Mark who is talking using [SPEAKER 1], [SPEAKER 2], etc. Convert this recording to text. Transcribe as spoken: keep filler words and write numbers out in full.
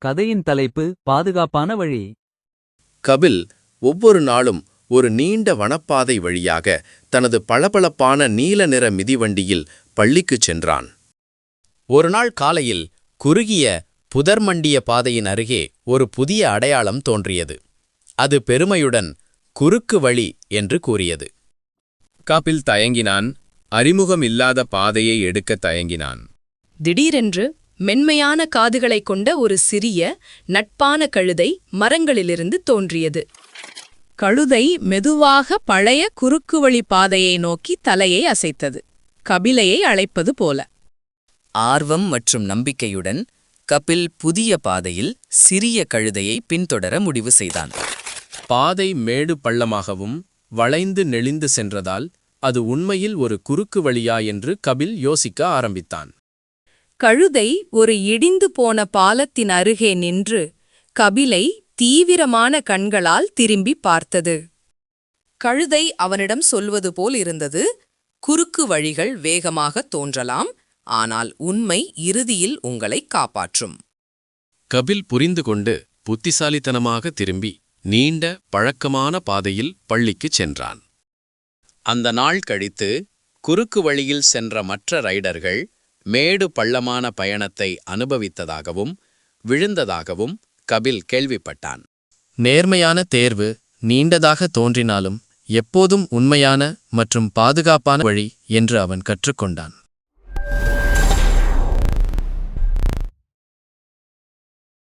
[SPEAKER 1] கதையின் தலைப்பு பாதுகாப்பான வழி.
[SPEAKER 2] கபில் ஒவ்வொரு நாளும் ஒரு நீண்ட வனப்பாதை வழியாக தனது பளபளப்பான நீல நிற மிதிவண்டியில் பள்ளிக்குச் சென்றான். ஒருநாள் காலையில் குறுகிய புதர்மண்டிய பாதையின் அருகே ஒரு புதிய அடையாளம் தோன்றியது. அது பெருமையுடன் குறுக்கு வழி என்று கூறியது.
[SPEAKER 3] கபில் தயங்கினான். அறிமுகமில்லாத பாதையை எடுக்க தயங்கினான்.
[SPEAKER 4] திடீரென்று மென்மையான காதுகளைக் கொண்ட ஒரு சிறிய நட்பான கழுதை மரங்களிலிருந்து தோன்றியது. கழுதை மெதுவாக பழைய குறுக்குவழி பாதையை நோக்கி தலையை அசைத்தது, கபிலையை அழைப்பது போல.
[SPEAKER 5] ஆர்வம் மற்றும் நம்பிக்கையுடன் கபில் புதிய பாதையில் சிறிய கழுதையை பின்தொடர முடிவு செய்தான்.
[SPEAKER 2] பாதை மேடு பள்ளமாகவும் வளைந்து நெளிந்து சென்றதால் அது உண்மையில் ஒரு குறுக்கு வழியா என்று கபில் யோசிக்க ஆரம்பித்தான்.
[SPEAKER 4] கழுதை ஒரு இடிந்து போன பாலத்தின் அருகே நின்று கபிலை தீவிரமான கண்களால் திரும்பி பார்த்தது. கழுதை அவனிடம் சொல்வது போல் இருந்தது, குறுக்கு வழிகள் வேகமாக தோன்றலாம், ஆனால் உண்மை இறுதியில் உங்களை காப்பாற்றும்.
[SPEAKER 2] கபில் புரிந்து கொண்டு புத்திசாலித்தனமாக திரும்பி நீண்ட பழக்கமான பாதையில் பள்ளிக்குச் சென்றான். அந்த நாள் கழித்து குறுக்கு வழியில் சென்ற மற்ற ரைடர்கள் மேடு பள்ளமான பயணத்தை அனுபவித்ததாகவும் விழுந்ததாகவும் கபில் கேள்விப்பட்டான். நேர்மையான தேர்வு நீண்டதாக தோன்றினாலும் எப்போதும் உண்மையான மற்றும் பாதுகாப்பான வழி என்று அவன் கற்றுக்கொண்டான்.